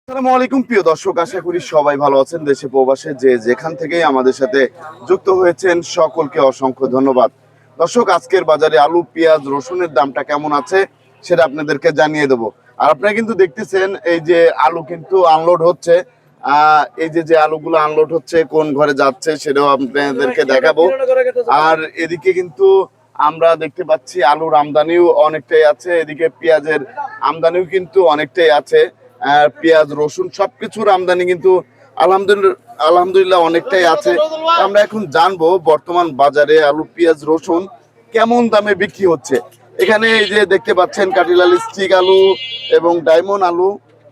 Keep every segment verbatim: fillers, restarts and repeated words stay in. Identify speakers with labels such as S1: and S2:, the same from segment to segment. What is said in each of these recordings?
S1: আসসালামু আলাইকুম প্রিয় দর্শক, আশা করি সবাই ভালো আছেন। দেশে প্রবাসে যে যেখান থেকেই আমাদের সাথে যুক্ত হয়েছেন সকলকে অসংখ্য ধন্যবাদ। দর্শক, আজকের বাজারে আলু, পেঁয়াজ, রসুনের দামটা কেমন আছে সেটা আপনাদেরকে জানিয়ে দেবো। আর আপনারা কিন্তু দেখতেছেন এই যে আলু কিন্তু আনলোড হচ্ছে। আহ এই যে যে আলুগুলো আনলোড হচ্ছে কোন ঘরে যাচ্ছে সেটাও আপনাদেরকে দেখাবো। আর এদিকে কিন্তু আমরা দেখতে পাচ্ছি আলুর আমদানিও অনেকটাই আছে, এদিকে পেঁয়াজের আমদানিও কিন্তু অনেকটাই আছে। আর পেঁয়াজ, রসুন সবকিছুর আমদানি কিন্তু আলহামদুলিল্লাহ আলহামদুলিল্লাহ অনেকটাই আছে। আমরা এখন জানবো বর্তমান বাজারে আলু, পেঁয়াজ, রসুন কেমন দামে বিক্রি হচ্ছে। এখানে এই যে দেখতে পাচ্ছেন কাটিলাল স্টিক আলু এবং ডায়মন্ড আলু,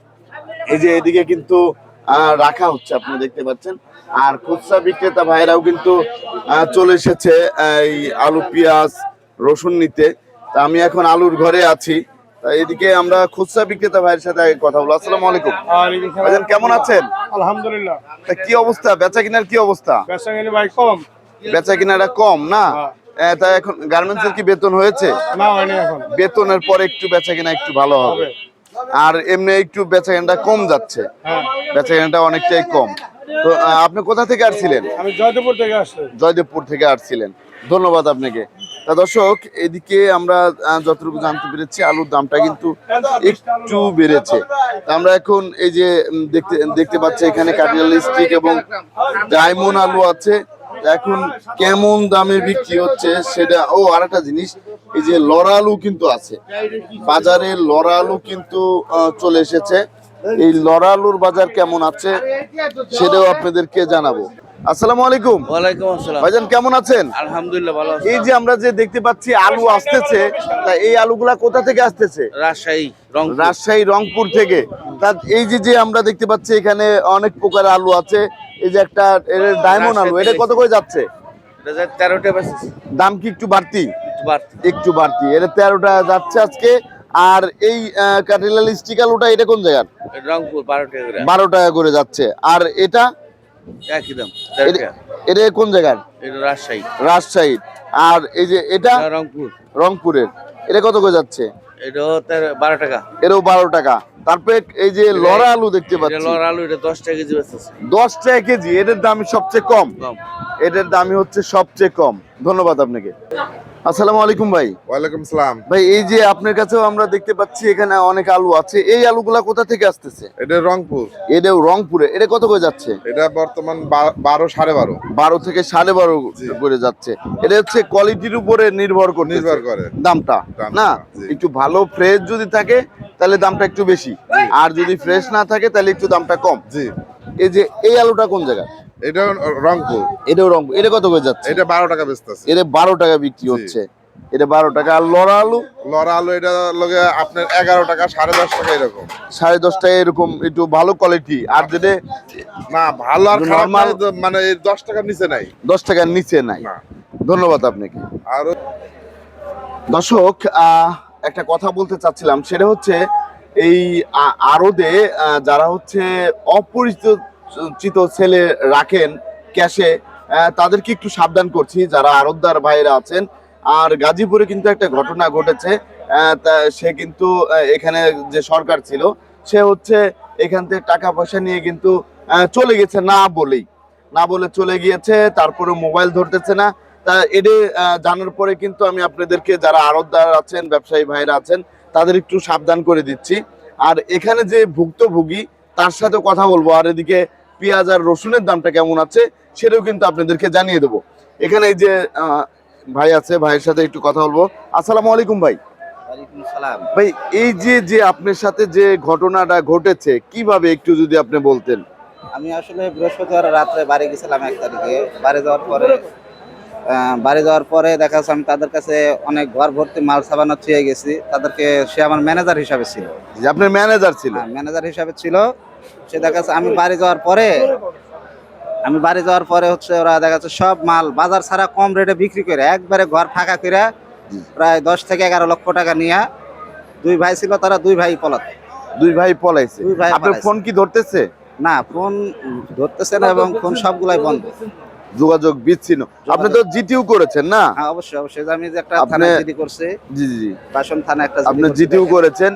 S1: এই যে এদিকে কিন্তু আহ, রাখা হচ্ছে, আপনি দেখতে পাচ্ছেন। আর খুচরা বিক্রেতা ভাইরাও কিন্তু আহ, চলে এসেছে এই আলু, পেঁয়াজ, রসুন নিতে। তা আমি এখন আলুর ঘরে আছি। তা এদিকে আমরা খুচরা বিক্রেতা ভাইয়ের সাথে আগে কথা বলবো। আসসালামু আলাইকুম ভাইজান, কেমন আছেন?
S2: আলহামদুলিল্লাহ।
S1: তা কি অবস্থা, বেচা কিনার কি অবস্থা?
S2: বেচা কিনে ভাই কম।
S1: বেচা কিনাটা কম না? আহ, তা এখন গার্মেন্টস এর কি বেতন হয়েছে?
S2: না হয়নি এখন।
S1: বেতনের পরে একটু বেচা কিনা একটু ভালো হবে। আর এমনি একটু বেচা কেনাটা কম যাচ্ছে, বেচা কেনাটা অনেকটাই কম। তো আহ, আপনি কোথা থেকে আসছিলেন?
S2: আমি জয়দেবপুর থেকে আসছি।
S1: জয়দেবপুর থেকে আসছিলেন, ধন্যবাদ আপনাকে। তা দর্শক, এদিকে আমরা আহ, যতটুকু জানতে পেরেছি আলুর দামটা কিন্তু একটু বেড়েছে। তা আমরা এখন এই যে উম, দেখতে দেখতে পাচ্ছি এখানে কাটিলাল স্টিক এবং ডায়মন্ড আলু আছে। এখন কেমন দামে বিক্রি হচ্ছে সেটা, ও আরেকটা জিনিস, এই যে লড়া আলু কিন্তু আছে বাজারে, লড়া আলু কিন্তু আহ, চলে এসেছে। এই লড়া আলুর বাজার কেমন আছে সেটাও আপনাদেরকে জানাবো। আসসালামু আলাইকুম।
S3: ওয়ালাইকুম আসসালাম।
S1: ভাইজান কেমন আছেন?
S3: আলহামদুলিল্লাহ ভালো আছি।
S1: এই যে আমরা যে দেখতে পাচ্ছি আলু আসতেছে, তা এই আলুগুলা কোথা থেকে আসতেছে?
S3: রাজশাহী, রংপুর।
S1: রাজশাহী, রংপুর থেকে। তা এই যে যে আমরা দেখতে পাচ্ছি এখানে অনেক প্রকার আলু আছে। এই যে একটা ডায়মন্ড আলু, এটা কত করে যাচ্ছে?
S3: তেরোটা বেশি
S1: দাম কি একটু বাড়তি?
S3: বাড়তি।
S1: একটু বাড়তি, এটা তেরোটা যাচ্ছে আজকে। আর এই আহ, কাটিলাল স্টিক আলুটা এটা কোন জায়গার?
S3: রংপুর বারো টাকা করে।
S1: বারো টাকা করে যাচ্ছে। আর এটা
S3: একই দাম, তেরো
S1: এটা-
S3: টাকা।
S1: এটা কোন জায়গার?
S3: এটা রাজশাহী।
S1: রাজশাহী। আর এই যে এটা
S3: এটা রংপুর।
S1: রংপুরের, এটা কত করে যাচ্ছে?
S3: এটা তেরো বারো টাকা।
S1: এটাও বারো টাকা। তারপরে এই যে লড়া আলু দেখতে
S3: এটা
S1: পাচ্ছি,
S3: লড়া আলু, এটা দশ টাকা কেজি বেচতেছে।
S1: দশ টাকা কেজি। এটার দামই সবচেয়ে কম,
S3: কম।
S1: এটার দামই হচ্ছে সবচেয়ে কম। ধন্যবাদ আপনাকে। আসসালামু আলাইকুম ভাই।
S4: ওয়ালাইকুম সালাম।
S1: ভাই, এই যে আপনার কাছেও আমরা দেখতে পাচ্ছি এখানে অনেক আলু আছে, এই আলুগুলা কোথা থেকে আসতেছে?
S4: এটা রংপুর।
S1: এটাও রংপুরে, এটা কত করে যাচ্ছে?
S4: এটা বর্তমান বা- বারো সাড়ে বারো
S1: বারো থেকে সাড়ে বারো করে যাচ্ছে। এটা হচ্ছে কোয়ালিটির উপরে নির্ভর করে
S4: নির্ভর করে
S1: দামটা,
S4: দামটা,
S1: না?
S4: জি।
S1: একটু ভালো ফ্রেশ যদি থাকে তাহলে দামটা একটু বেশি, আর যদি ফ্রেশ না থাকে তাহলে একটু দামটা কম।
S4: জি।
S1: এই যে এই আলুটা কোন জায়গা?
S4: এটা রংপুর।
S1: এটাও রংপুর। এটা কত করে যাচ্ছে?
S4: এটা বারো টাকা বেচতেছে।
S1: এটা বারো টাকা বিক্রি হচ্ছে, এটা বারো টাকা। আর লড়া আলু?
S4: লড়া আলু এটা লগে আপনার এগারো টাকা সাড়ে দশ টাকা এরকম।
S1: সাড়ে দশ টাকা এরকম, একটু ভালো কোয়ালিটি। আর যেটা
S4: না ভালো আর খারাপ
S1: নরমাল,
S4: নাই, তো মানে এই দশ টাকার নিচে নাই।
S1: দশ টাকার নিচে নাই।
S4: না।
S1: ধন্যবাদ আপনাকে।
S4: আর
S1: দর্শক, আহ, একটা কথা বলতে চাচ্ছিলাম, সেটা হচ্ছে এই আ- আড়তে আহ, যারা হচ্ছে অপরিচিত ছেলে রাখেন ক্যাশে, আহ, তাদেরকে একটু সাবধান করছি, যারা আড়তদার ভাইরা আছেন। আর গাজীপুরে কিন্তু একটা ঘটনা ঘটেছে। আহ, তা সে কিন্তু আহ, এখানে যে সরকার ছিল, সে হচ্ছে এখান থেকে টাকা পয়সা নিয়ে কিন্তু আহ, চলে গেছে না বলেই, না বলে চলে গিয়েছে। তারপরে মোবাইল ধরতেছে না। তা এটা আহ, জানার পরে কিন্তু আমি আপনাদেরকে, যারা আড়তদার আছেন, ব্যবসায়ী ভাইরা আছেন, তাদের একটু সাবধান করে দিচ্ছি। আর এখানে যে ভুক্তভোগী, তার সাথে কথা বলবো। আর এদিকে পেঁয়াজ আর রসুনের দামটা কেমন আছে সেটাও কিন্তু আপনাদেরকে জানিয়ে দেবো। এখানে এই যে আহ, ভাই আছে, ভাইয়ের সাথে একটু কথা বলবো। আসসালামু আলাইকুম ভাই।
S3: ওয়ালাইকুম সালাম।
S1: ভাই, এই যে যে আপনার সাথে যে ঘটনাটা ঘটেছে, কিভাবে একটু যদি আপনি বলতেন।
S5: আমি আসলে বৃহস্পতিবার রাত্রে বাড়ি গেছিলাম এক তারিখে। বাড়ি যাওয়ার পরে আহ, বাড়ি যাওয়ার পরে দেখা যাচ্ছে আমি তাদের কাছে অনেক ঘর ভর্তি মাল সাবানা ছুঁয়ে গেছি তাদেরকে। সে আমার ম্যানেজার হিসাবে ছিল।
S1: যে আপনার ম্যানেজার ছিল?
S5: হ্যাঁ, ম্যানেজার হিসাবে ছিল। সে দেখা যাচ্ছে আমি বাড়ি যাওয়ার পরে আমি বাড়ি যাওয়ার পরে হচ্ছে ওরা দেখা যাচ্ছে সব মাল বাজার ছাড়া কম রেটে বিক্রি করে একবারে ঘর ফাঁকা করে প্রায় দশ থেকে এগারো লক্ষ টাকা নিয়ে, দুই ভাই ছিল, তারা দুই ভাই পলাত।
S1: দুই ভাই পলাইছে?
S5: দুই ভাই
S1: আপনার
S5: পলাইছে।
S1: ফোন কি ধরতেছে?
S5: না, ফোন ধরতেছে না এবং ফোন সবগুলাই বন্ধ,
S1: যোগাযোগ বিচ্ছিন্ন। আপনি তো জিটিউ করেছেন না?
S5: হ্যাঁ অবশ্যই অবশ্যই। আমি যে একটা
S1: আপনি-
S5: থানায় জিডি করছি,
S1: জি জি জি।
S5: বাসন থানা একটা
S1: আপনি জিটিউ করেছেন।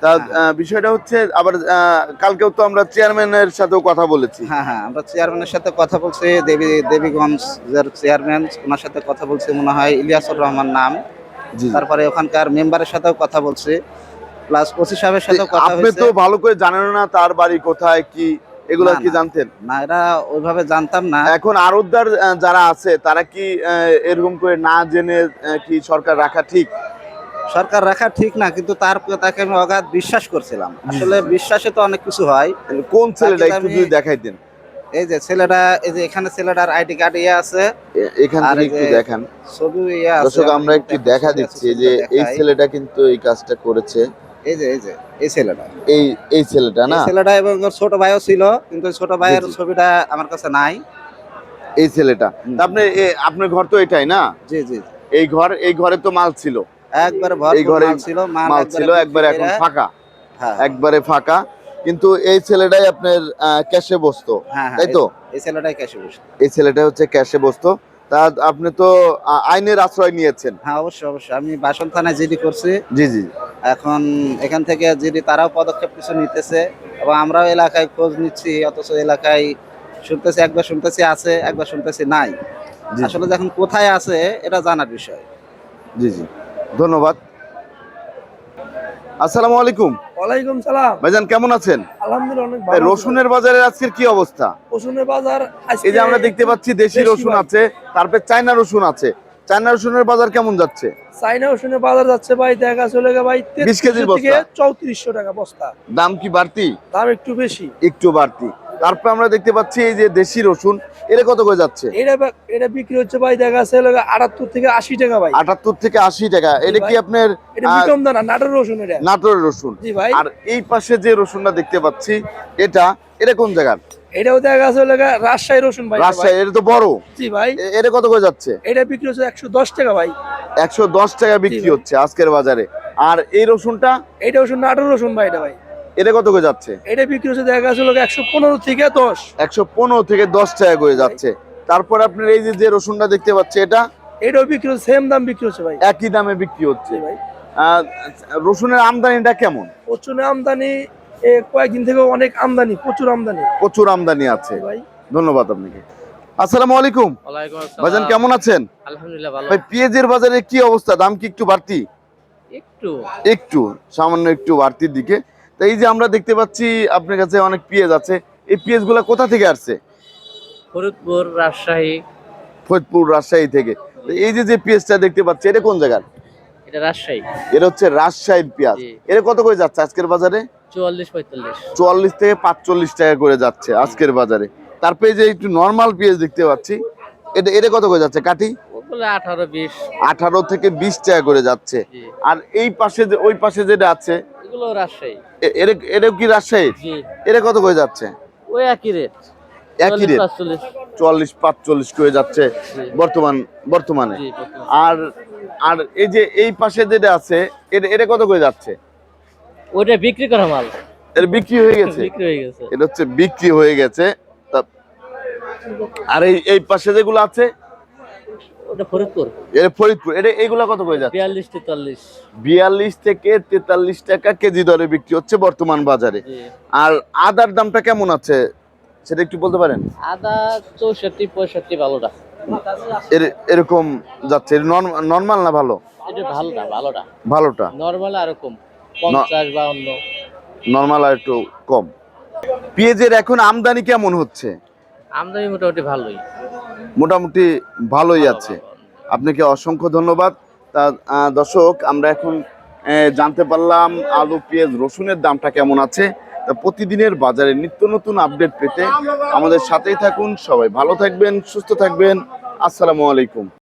S1: তা আহ, বিষয়টা হচ্ছে আবার আহ, কালকেও তো আমরা চেয়ারম্যানের সাথেও কথা বলেছি।
S5: হ্যাঁ হ্যাঁ আমরা চেয়ারম্যানের সাথে কথা বলছি, দেবী দেবীগঞ্জের চেয়ারম্যান, ওনার সাথে কথা বলছি, মনে হয় ইলিয়াসুর রহমান নাম।
S1: জি।
S5: তারপরে ওখানকার মেম্বারের সাথেও কথা বলছি, প্লাস ওসি সাহেবের সাথেও কথা
S1: আপনি
S5: হয়েছে।
S1: তো ভালো করে জানেন না তার বাড়ি কোথায় কি, এগুলো
S5: না,
S1: কি
S5: না।
S1: জানতেন?
S5: না, এরা ওইভাবে জানতাম না।
S1: এখন আরতদার আহ, যারা আছে তারা কি আহ, এরকম করে না জেনে আহ, কি সরকার রাখা ঠিক?
S5: সরকার রাখা ঠিক না, কিন্তু তার তাকে আমি অগাধ বিশ্বাস করছিলাম। আসলে বিশ্বাসে তো অনেক কিছু হয়।
S1: কোন ছেলেটা
S5: তাকে
S1: একটু
S5: আমি-
S1: যদি দেখাইতেন।
S5: এই যে ছেলেটা, এই যে এখানে ছেলেটার আইডি কার্ড ইয়ে আছে,
S1: এ- এখান
S5: আর
S1: থেকে
S5: এই
S1: একটু
S5: যে
S1: দেখান
S5: ছবি ইয়ে আছে।
S1: দর্শক, আমরা একটু দেখা দিচ্ছি যে এই ছেলেটা কিন্তু এই কাজটা করেছে।
S5: এই যে এই যে এই ছেলেটা,
S1: এই এই ছেলেটা না,
S5: এই ছেলেটা এবং ওর ছোট ভাইও ছিল, কিন্তু ওই ছোট ভাইয়ের
S1: জি, জি।
S5: ছবিটা আমার কাছে নাই।
S1: এই ছেলেটা।
S5: হুম।
S1: তা আপনি এ- আপনার ঘর তো এটাই না?
S5: জি জি,
S1: এই ঘর, এই ঘরে তো মাল ছিল,
S5: একবারে
S1: এই
S5: ভরপুর
S1: ঘরে
S5: মাল ছিল, মাল
S1: মাল
S5: একবারে
S1: ছিল,
S5: বিক্রি
S1: একবার এখন
S5: করে-
S1: ফাঁকা,
S5: হ্যাঁ
S1: একবারে ফাঁকা। কিন্তু এই ছেলেটাই আপনার আহ, ক্যাশে বসতো,
S5: হ্যাঁ হ্যাঁ,
S1: তাই তো?
S5: এই ছেলেটাই ক্যাশে বসে।
S1: এই ছেলেটা হচ্ছে ক্যাশে বসতো। তা আপনি তো আহ, আইনের আশ্রয় নিয়েছেন।
S5: হ্যাঁ অবশ্যই অবশ্যই, আমি বাসন থানায় জিডি করছি।
S1: জি জি।
S5: এখন এখান থেকে জিডি তারাও পদক্ষেপ কিছু নিতেছে, এবং আমরাও এলাকায় খোঁজ নিচ্ছি, অথচ এলাকায় শুনতেছি, একবার শুনতেছি আছে, একবার শুনতেছি নাই।
S1: জি,
S5: আসলে যখন কোথায় আছে এটা জানার বিষয়।
S1: জি জি, ধন্যবাদ। আসসালামু আলাইকুম
S2: ওয়ালাইকুম সালাম।
S1: ভাইজান, কেমন আছেন?
S2: আলহামদুলিল্লাহ অনেক
S1: এই
S2: ভালো।
S1: রসুনের বাজারের আজকের কি অবস্থা?
S2: রসুনের বাজার আজকে
S1: এই যে আমরা দেখতে পাচ্ছি দেশি
S2: বেশি
S1: রসুন
S2: ভাই।
S1: আছে, তারপরে চায়না রসুন আছে। চায়না রসুনের বাজার কেমন যাচ্ছে?
S2: চাইনা রসুনের বাজার যাচ্ছে ভাই, দেখা চলে গে ভাই
S1: বিশ কেজির
S2: তেত্রিশশো থেকে
S1: বস্তা।
S2: চৌত্রিশশো টাকা বস্তা।
S1: দাম কি বাড়তি?
S2: দাম একটু বেশি।
S1: একটু বাড়তি। তারপরে আমরা দেখতে পাচ্ছি এই যে দেশি রসুন, এটা কত করে যাচ্ছে?
S2: এটা বা- এটা বিক্রি হচ্ছে ভাই, দেখা চলে গে আটাত্তর থেকে আশি টাকা ভাই।
S1: আটাত্তর থেকে আশি টাকা। এটা কি
S2: ভাই।
S1: আপনার
S2: এটা
S1: আহ,
S2: বিকম দানা, নাটোর রসুন এটা।
S1: নাটোরের রসুন?
S2: জি ভাই।
S1: আর এই পাশে যে রসুনটা দেখতে পাচ্ছি, এটা এটা কোন জায়গার?
S2: এটাও দেখা চলে গে রাজশাহী রসুন ভাই। এটা ভাই।
S1: রাজশাহী। এটা তো বড়।
S2: জি ভাই।
S1: এ- এটা কত করে যাচ্ছে?
S2: এটা বিক্রি হচ্ছে একশো দশ টাকা ভাই।
S1: একশো দশ টাকা বিক্রি
S2: জি ভাই।
S1: হচ্ছে আজকের বাজারে। আর এই রসুনটা,
S2: এটা রসুন নাটোর রসুন ভাই, এটা ভাই।
S1: এটা কত করে যাচ্ছে?
S2: এটা বিক্রি হচ্ছে দেখা চলে গে একশো পনেরো থেকে দশ।
S1: একশো পনেরো থেকে দশ টাকা করে যাচ্ছে। তারপর আপনার এই যে যে রসুনটা দেখতে পাচ্ছি, এটা
S2: এটাও বিক্রি হচ্ছে সেম দাম বিক্রি হচ্ছে ভাই।
S1: একই দামে বিক্রি হচ্ছে।
S2: জি ভাই।
S1: আহ, রসুনের আমদানিটা কেমন?
S2: প্রচুর আমদানি, এ কয়েকদিন থেকে অনেক আমদানি, প্রচুর আমদানি।
S1: প্রচুর আমদানি আছে।
S2: জি ভাই।
S1: ধন্যবাদ আপনাকে। আসসালামু আলাইকুম
S3: ওয়ালাইকুম
S1: ভাইজান, কেমন আছেন?
S3: আলহামদুলিল্লাহ ভালো।
S1: ভাই, পেঁয়াজের বাজারে কি অবস্থা? দাম কি একটু বাড়তি?
S3: একটু
S1: একটু, সামান্য একটু বাড়তির দিকে। তো এই যে আমরা দেখতে পাচ্ছি আপনার কাছে অনেক পেঁয়াজ আছে, এই পেঁয়াজগুলো কোথা থেকে আসছে?
S3: ফরিদপুর, রাজশাহী।
S1: ফরিদপুর, রাজশাহী থেকে। তো এই যে যে পেঁয়াজটা দেখতে পাচ্ছি, এটা কোন জায়গার?
S3: এটা রাজশাহী।
S1: এটা হচ্ছে রাজশাহীর পেঁয়াজ।
S3: জি।
S1: এটা কত করে যাচ্ছে আজকের বাজারে?
S3: চুয়াল্লিশ পঁয়তাল্লিশ।
S1: চুয়াল্লিশ থেকে পাঁচচল্লিশ টাকা করে যাচ্ছে আজকের বাজারে। তারপরে এই যে একটু নর্মাল পেঁয়াজ দেখতে পাচ্ছি, এটা এটা কত করে যাচ্ছে কাটি?
S3: ওগুলো আঠারো বিশ।
S1: আঠারো থেকে বিশ টাকা করে যাচ্ছে।
S3: জি।
S1: আর এই পাশে যে ওই পাশে যেটা আছে,
S3: এগুলো রাজশাহী।
S1: এ- এটা এটাও কি রাজশাহীর?
S3: জি।
S1: এটা কত করে যাচ্ছে?
S3: ওই একই রেট।
S1: একই রেট,
S3: পাঁচচল্লিশ।
S1: চুয়াল্লিশ পাঁচচল্লিশ করে যাচ্ছে
S3: জি।
S1: বর্তমান বর্তমানে।
S3: জি, বর্তমানে।
S1: আর আর এই যে এই পাশে যেটা আছে, এটা এটা কত করে যাচ্ছে?
S3: ওইটা বিক্রি করা মাল।
S1: এটা বিক্রি হয়ে গেছে?
S3: বিক্রি হয়ে গেছে।
S1: এটা হচ্ছে বিক্রি হয়ে গেছে। তা- আর এই এই পাশে যেগুলো আছে,
S3: ওটা ফরিদপুর।
S1: এটা ফরিদপুর। এটা এইগুলা কত করে যাচ্ছে?
S3: বিয়াল্লিশ তেতাল্লিশ।
S1: বিয়াল্লিশ থেকে তেতাল্লিশ টাকা কেজি দরে বিক্রি হচ্ছে বর্তমান বাজারে।
S3: জি।
S1: আর আদার দামটা কেমন আছে সেটা একটু বলতে পারেন?
S3: আদা চৌষট্টি পঁয়ষট্টি ভালোটা।
S1: এর- এরকম যাচ্ছে। নর্মাল না ভালো?
S3: এটা ভালোটা ভালোটা।
S1: ভালোটা।
S3: নর্মাল আরো কম, পঞ্চাশ বাউন্ন।
S1: নর্মাল আর একটু কম। পেঁয়াজের এখন আমদানি কেমন হচ্ছে?
S3: আমদানি মোটামুটি ভালোই।
S1: মোটামুটি ভালোই আছে। আপনাকে অসংখ্য ধন্যবাদ। তা আহ, দর্শক, আমরা এখন আহ, জানতে পারলাম আলু, পেঁয়াজ, রসুনের দামটা কেমন আছে। তা প্রতিদিনের বাজারে নিত্য নতুন আপডেট পেতে আমাদের সাথেই থাকুন। সবাই ভালো থাকবেন, সুস্থ থাকবেন। আসসালামু আলাইকুম।